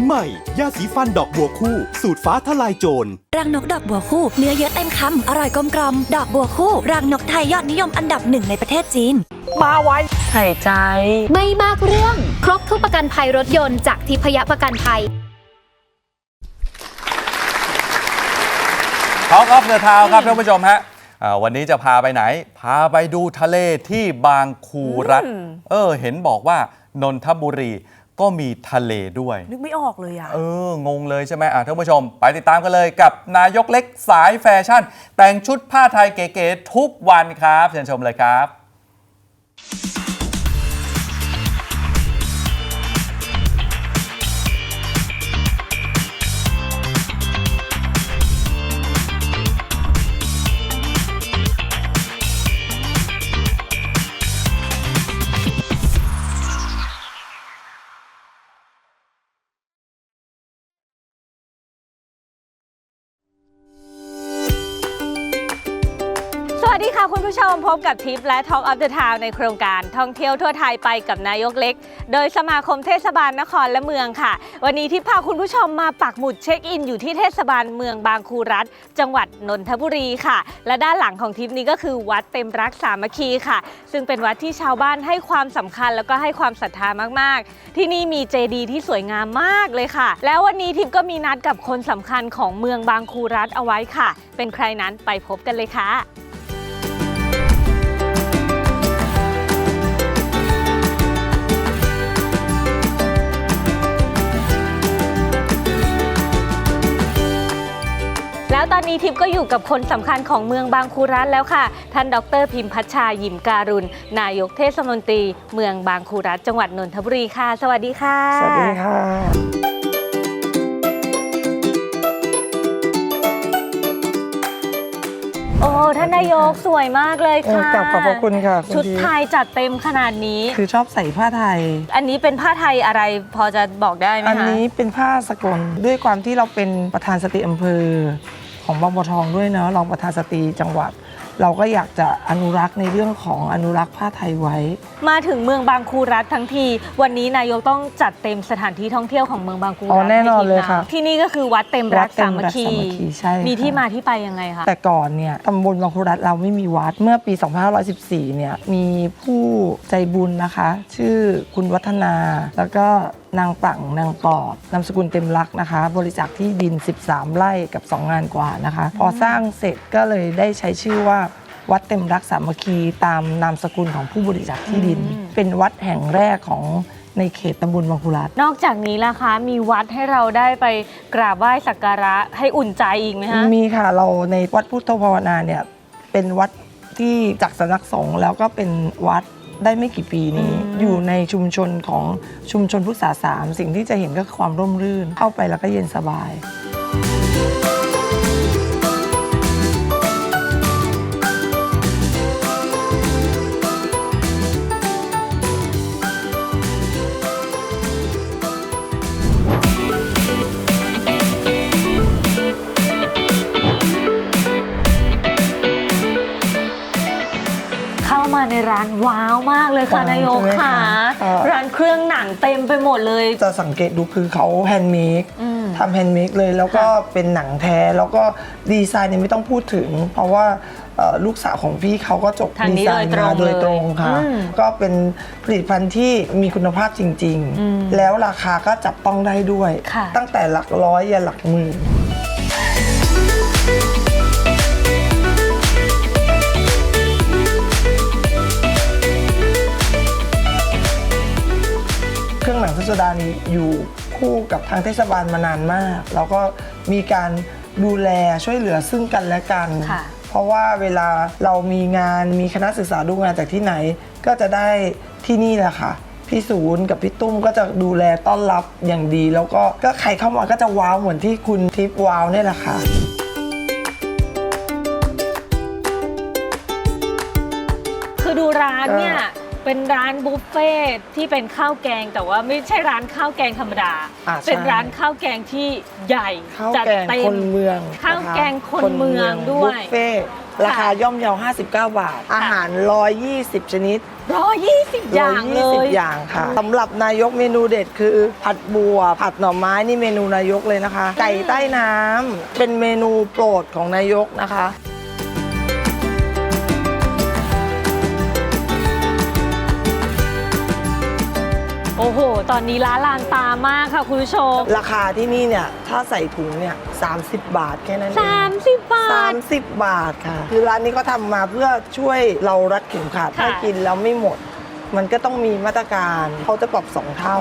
ใหม่ยาสีฟันดอกบัวคู่สูตรฟ้าทลายโจรรังนกดอกบัวคู่เนื้อเยอะเต็มคำอร่อยกลมกล่อมดอกบัวคู่รังนกไทยยอดนิยมอันดับหนึ่งในประเทศจีนมาไว้หายใจไม่มากเรื่องครบทุกประกันภัยรถยนต์จากทิพยประกันภัยท็อกออฟเดอะทาวน์ครับท่านผู้ชมฮะวันนี้จะพาไปไหนพาไปดูทะเลที่บางคูรัฐเห็นบอกว่านนทบุรีก็มีทะเลด้วยนึกไม่ออกเลยงงเลยใช่ไหมท่านผู้ชมไปติดตามกันเลยกับนายกเล็กสายแฟชั่นแต่งชุดผ้าไทยเก๋ๆทุกวันครับเชิญชมเลยครับสวัสดีค่ะคุณผู้ชมพบกับทิปและ Talk of the Town ในโครงการท่องเที่ยวทั่วไทยไปกับนายกเล็กโดยสมาคมเทศบาลนครและเมืองค่ะวันนี้ทิปพาคุณผู้ชมมาปักหมุดเช็คอินอยู่ที่เทศบาลเมืองบางคูรัฐจังหวัดนนทบุรีค่ะและด้านหลังของทิปนี้ก็คือวัดเต็มรักสามัคคีค่ะซึ่งเป็นวัดที่ชาวบ้านให้ความสำคัญแล้วก็ให้ความศรัทธามากๆที่นี่มีเจดีย์ที่สวยงามมากเลยค่ะแล้ววันนี้ทิปก็มีนัดกับคนสำคัญของเมืองบางคูรัฐเอาไว้ค่ะเป็นใครนั้นไปพบกันเลยค่ะแล้วตอนนี้ทิพย์ก็อยู่กับคนสำคัญของเมืองบางคูรัฐแล้วค่ะท่านดร.พิมพัชชายิมการุณนายกเทศมนตรีเมืองบางคูรัฐจังหวัดนนทบุรีค่ะสวัสดีค่ะสวัสดีค่ะโอ้ท่านนายกสวยมากเลยค่ะขอบพระคุณค่ะชุดไทยจัดเต็มขนาดนี้คือชอบใส่ผ้าไทยอันนี้เป็นผ้าไทยอะไรพอจะบอกได้ไหมคะอันนี้เป็นผ้าสกลด้วยความที่เราเป็นประธานสตรีอำเภอของบางบัวทองด้วยเนาะรองประธานสตรีจังหวัดเราก็อยากจะอนุรักษ์ในเรื่องของอนุรักษ์ผ้าไทยไว้มาถึงเมืองบางคูรัฐทั้งทีวันนี้นายกต้องจัดเต็มสถานที่ท่องเที่ยวของเมืองบางคูรัฐแน่นอนเลยค่ะที่นี่ก็คือวัดเต็มรักสามัคคีใช่มีที่มาที่ไปยังไงคะแต่ก่อนเนี่ยตำบลบางคูรัฐเราไม่มีวัดเมื่อปี 2514 เนี่ยมีผู้ใจบุญนะคะชื่อคุณวัฒนาแล้วก็นางปังนางปอดนามสกุลเต็มรักนะคะบริจาคที่ดิน13ไร่กับ2งานกว่านะคะพอสร้างเสร็จก็เลยได้ใช้ชื่อว่าวัดเต็มรักสามัคคีตามนามสกุลของผู้บริจาคที่ดินเป็นวัดแห่งแรกของในเขตตำบลบางคูรัฐนอกจากนี้ล่ะคะมีวัดให้เราได้ไปกราบไหว้สักการะให้อุ่นใจอีกไหมคะมีค่ะเราในวัดพุทธภาวนาเนี่ยเป็นวัดที่จากสำนักสงฆ์แล้วก็เป็นวัดได้ไม่กี่ปีนี้อยู่ในชุมชนของชุมชนพุทธศาสนา3สิ่งที่จะเห็นก็คือความร่มรื่นเข้าไปแล้วก็เย็นสบายในร้านว้าวมากเลยค่ะนายกค่ะร้านเครื่องหนังเต็มไปหมดเลยจะสังเกตดูคือเขาแฮนด์เมดทำแฮนด์เมดเลยแล้วก็เป็นหนังแท้แล้วก็ดีไซน์เนี่ยไม่ต้องพูดถึงเพราะว่าลูกสาวของพี่เขาก็จบดีไซน์มาโดยตรงค่ะก็เป็นผลิตภัณฑ์ที่มีคุณภาพจริงๆแล้วราคาก็จับต้องได้ด้วยตั้งแต่หลักร้อยยันหลักหมื่นเครื่องหนังพิสดารนี้อยู่คู่กับทางเทศบาลมานานมากแล้วก็มีการดูแลช่วยเหลือซึ่งกันและกันเพราะว่าเวลาเรามีงานมีคณะศึกษาดูงานจากที่ไหนก็จะได้ที่นี่แหละค่ะพี่ศูนย์กับพี่ตุ้มก็จะดูแลต้อนรับอย่างดีแล้วก็ใครเข้ามาก็จะว้าวเหมือนที่คุณทิพย์ว้าวนี่แหละค่ะคือดูร้านเนี่ยเป็นร้านบุฟเฟ่ที่เป็นข้าวแกงแต่ว่าไม่ใช่ร้านข้าวแกงธรรมดาเป็นร้านข้าวแกงที่ใหญ่จัดเต็มคนเมืองข้าวแกงคนเมืองด้วยบุฟเฟ่ราคาย่อมเยา59 บาท อาหาร 120 ชนิด 120 อย่างเลย 120 อย่างค่ะสำหรับนายกเมนูเด็ดคือผัดบัว ผัดหน่อไม้นี่เมนูนายกเลยนะคะ ไก่ใต้น้ำเป็นเมนูโปรดของนายกนะคะโอ้โห ตอนนี้ร้านลานตามากค่ะคุณผู้ชมราคาที่นี่เนี่ยถ้าใส่ถุงเนี่ย30 บาทแค่นั้นเอง 30 บาท 30 บาทค่ะ คือร้านนี้เขาทำมาเพื่อช่วยเรารัดเข็มขัดค่ะถ้ากินแล้วไม่หมด มันก็ต้องมีมาตรการเขาจะปรับ 2 เท่า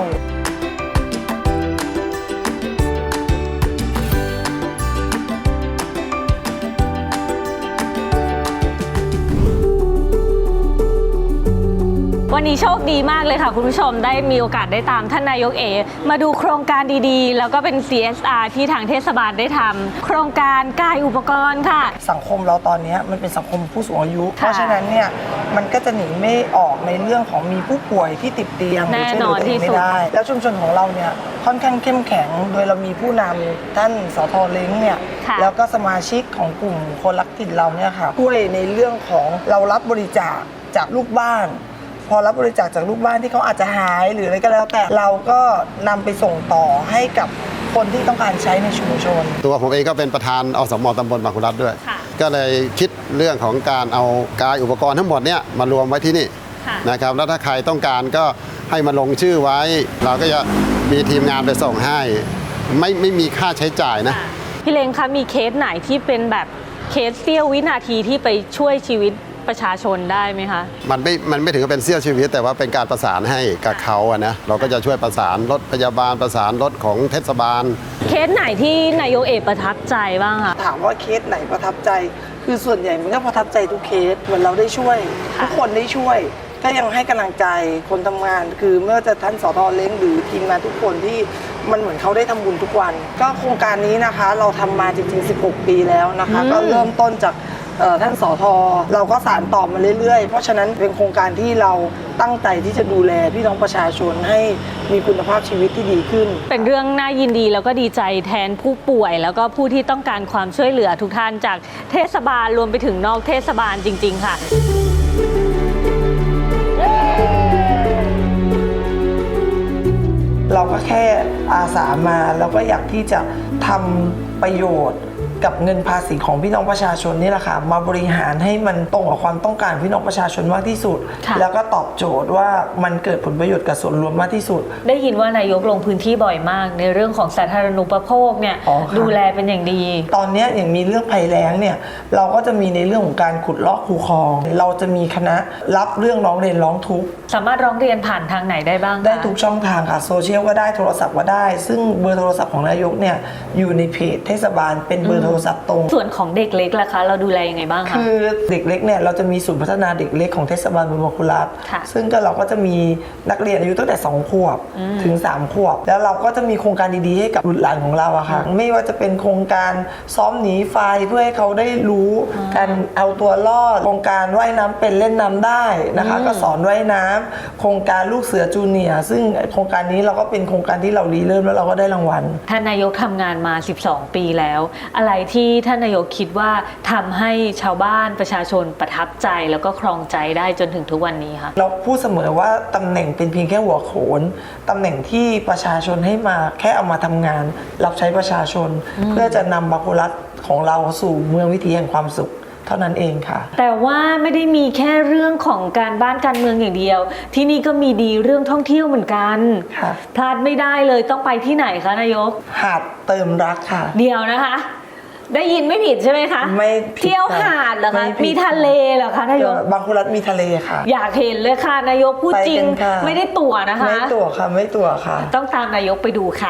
วันนี้โชคดีมากเลยค่ะคุณผู้ชมได้มีโอกาสได้ตามท่านนายกมาดูโครงการดีๆ แล้วก็เป็น CSR ที่ทางเทศบาลได้ทำโครงการกายอุปกรณ์ค่ะสังคมเราตอนนี้มันเป็นสังคมผู้สูงอายุค่ะเพราะฉะนั้นเนี่ยมันก็จะหนีไม่ออกในเรื่องของมีผู้ป่วยที่ติดเตียงหรืแน่ช่วยเหนลืออน ตัวเองที่สุไม่ดได้ แล้วชุมชนของเราเนี่ยค่อนข้างเข้มแข็ง โดยเรามีผู้นำท่านสทเล้งเนี่ยค่ะแล้วก็สมาชิกของกลุ่มคนรักถิ่นเราเนี่ยค่ะช่วยในเรื่องของเรารับบริจาคจากลูกบ้าน พอรับบริจาคจากลูกบ้านที่เขาอาจจะหายหรืออะไรก็แล้วแต่เราก็นำไปส่งต่อให้กับคนที่ต้องการใช้ในชุมชนตัวผมเองก็เป็นประธานอสม.ตำบลบางขุนรัฐด้วยค่ะก็เลยคิดเรื่องของการเอากายอุปกรณ์ทั้งหมดเนี่ยมารวมไว้ที่นี่ค่ะนะครับแล้วถ้าใครต้องการก็ให้มาลงชื่อไว้ เราก็จะมีทีมงานไปส่งให้ ไม่มีค่าใช้จ่ายนะพี่เล้งคะมีเคสไหนที่เป็นแบบเคสเสี้ยววินาทีที่ไปช่วยชีวิตประชาชนได้ไหมคะมันไม่ถึงกับเป็นเสี้ยวชีวิต แต่ว่าเป็นการประสานให้กับเขาอะนะเราก็จะช่วยประสานรถพยาบาลประสานรถของเทศบาลเคสไหนที่นายกประทับใจบ้างคะถามว่าเคสไหนประทับใจ คือส่วนใหญ่มันก็ประทับใจทุกเคสเหมือนเราได้ช่วยค่ะทุกคนได้ช่วย ก็ยังให้กำลังใจคนทำงาน คือไม่ว่าจะท่านสทเล้งหรือทีมงานทุกคนที่มันเหมือนเขาได้ทำบุญทุกวัน ก็โครงการนี้นะคะเราทำมาจริงๆ16 ปีแล้วนะคะ ก็เริ่มต้นจากท่านสทเราก็สานต่อมาเรื่อยๆ เพราะฉะนั้นเป็นโครงการที่เราตั้งใจที่จะดูแลพี่น้องประชาชนให้มีคุณภาพชีวิตที่ดีขึ้นเป็นเรื่องน่ายินดีแล้วก็ดีใจแทนผู้ป่วย แล้วก็ผู้ที่ต้องการความช่วยเหลือทุกท่านจากเทศบาลรวมไปถึงนอกเทศบาลจริง ๆ ค่ะเราก็แค่อาสามาแล้วก็อยากที่จะทำประโยชน์กับเงินภาษีของพี่น้องประชาชนนี่แหละค่ะมาบริหารให้มันตรงกับความต้องการพี่น้องประชาชนมากที่สุดค่ะแล้วก็ตอบโจทย์ว่ามันเกิดผลประโยชน์กับส่วนรวมมากที่สุดได้ยินว่านายกลงพื้นที่บ่อยมาก ในเรื่องของสาธารณูปโภคเนี่ยอ๋อค่ะดูแลเป็นอย่างดีตอนนี้อย่างมีเรื่องภัยแล้งเนี่ยเราก็จะมีในเรื่องของการขุดลอกคูคลอง เราจะมีคณะรับเรื่องร้องเรียนร้องทุกข์สามารถร้องเรียนผ่านทางไหนได้บ้างคะได้ทุกช่องทางค่ะโซเชียลก็ได้โทรศัพท์ก็ได้ ซึ่งเบอร์โทรศัพท์ของนายกเนี่ยอยู่ในเพจเทศบาลเป็นเบอร์โทรศัพท์ตรงส่วนของเด็กเล็กล่ะคะ เราดูแลยังไงบ้างคะคือเด็กเล็กเนี่ยเราจะมีศูนย์พัฒนาเด็กเล็กของเทศบาลเมืองบางขุนรัฐค่ะซึ่งก็เราก็จะมีนักเรียนอายุตั้งแต่2 ขวบถึง 3 ขวบ แล้วเราก็จะมีโครงการดีๆให้กับบุตรหลานของเราอะค่ะไม่ว่าจะเป็นโครงการซ้อมหนีไฟเพื่อให้เขาได้รู้การเอาตัวรอดโครงการว่ายน้ำเป็นเล่นน้ำได้นะคะก็สอนว่ายน้ำโครงการลูกเสือจูเนียร์ซึ่งโครงการนี้เราก็เป็นโครงการที่เรารีเริ่มแล้วเราก็ได้รางวัลท่านนายกทำงานมา 12 ปีแล้ว อะไรที่ท่านนายกคิดว่าทำให้ชาวบ้านประชาชนประทับใจแล้วก็ครองใจได้จนถึงทุกวันนี้คะเราพูดเสมอว่าตำแหน่งเป็นเพียงแค่หัวโขนตำแหน่งที่ประชาชนให้มาแค่เอามาทำงาน รับใช้ประชาชน เพื่อจะนำบางขุนรัฐของเราสู่เมืองวิถีแห่งความสุขเท่านั้นเองค่ะแต่ว่าไม่ได้มีแค่เรื่องของการบ้านการเมืองอย่างเดียว ที่นี่ก็มีดีเรื่องท่องเที่ยวเหมือนกันค่ะพลาดไม่ได้เลยต้องไปที่ไหนคะนายกหาดเติมรักค่ะเดียวนะคะ ได้ยินไม่ผิดใช่ไหมคะไม่ผิดเที่ยวหาดเหรอไม่คะผิดมีทะเลเหรอคะนายกบางขุนรัฐมีทะเลค่ะอยากเห็นเลยค่ะนายกพูดจริงไปกันค่ะไม่ได้ตั๋วนะคะไม่ตั๋วค่ะไม่ตั๋วค่ะต้องตามนายกไปดูค่ะ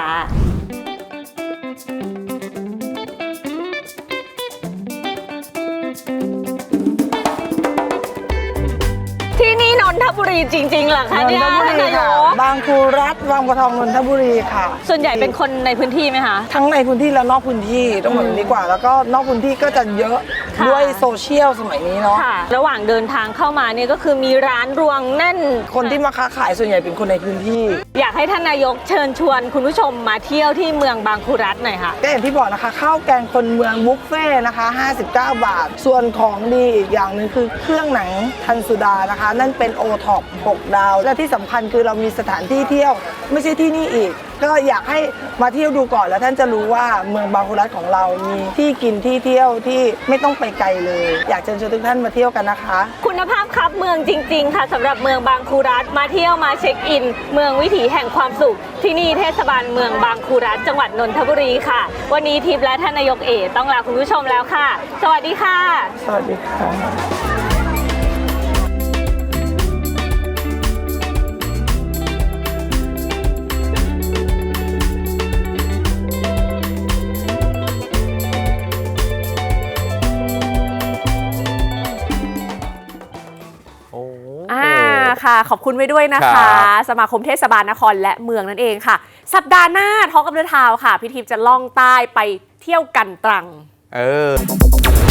ที่นี่นนทบุรีรีจริงๆเหรอคะเนี่ยนนทบุรีนายค่ะกบางครูรัฐบางบัวทองนนทบุรีค่ะส่วนใหญ่เป็นคนในพื้นที่ไหมคะทั้งในพื้นที่และนอกพื้นที่ต้องบอกอย่างนี้ดีกว่า แล้วก็นอกพื้นที่ก็จะเยอะค่ะด้วยโซเชียลสมัยนี้เนาะค่ะ ระหว่างเดินทางเข้ามาเนี่ยก็คือมีร้านรวงแน่นคนที่มาค้าขายส่วนใหญ่เป็นคนในพื้นที่อยากให้ท่านนายกเชิญชวนคุณผู้ชมมาเที่ยวที่เมืองบางครูรัฐหน่อยค่ะก็อย่างที่บอกนะคะข้าวแกงคนเมืองบุฟเฟ่ต์นะคะ 59 บาท ส่วนของดีอีกอย่างหนึ่งคือเครื่องหนังทันสุดานะคะ นั่นเป็นโอท็อป6 ดาว และที่สำคัญคือเรามีสถานที่เที่ยวไม่ใช่ที่นี่อีก ก็อยากให้มาเที่ยวดูก่อนแล้วท่านจะรู้ว่าเมืองบางครูรัฐของเรามีที่กินที่เที่ยวที่ไม่ต้องไปไกลเลย อยากเชิญชวนทุกท่านมาเที่ยวกันนะคะคุณภาพครับเมืองจริงๆค่ะสำหรับเมืองบางครูรัฐมาเที่ยวมาเช็คอิน เมืองวิถีแห่งความสุข ที่นี่เทศบาลเมืองบางครูรัฐจังหวัดนนทบุรีค่ะ วันนี้ทิพย์และท่านนายกเอต้องลาคุณผู้ชมแล้วค่ะ สวัสดีค่ะสวัสดีค่ะค่ะ ขอบคุณไว้ด้วยนะครัคะบสมาคมเทศบาลนครและเมืองนั่นเองค่ะ สัปดาห์หน้าท้องกับเรือทาวค่ะ พี่ทิพย์จะล่องใต้ไปเที่ยวกันตรังเออ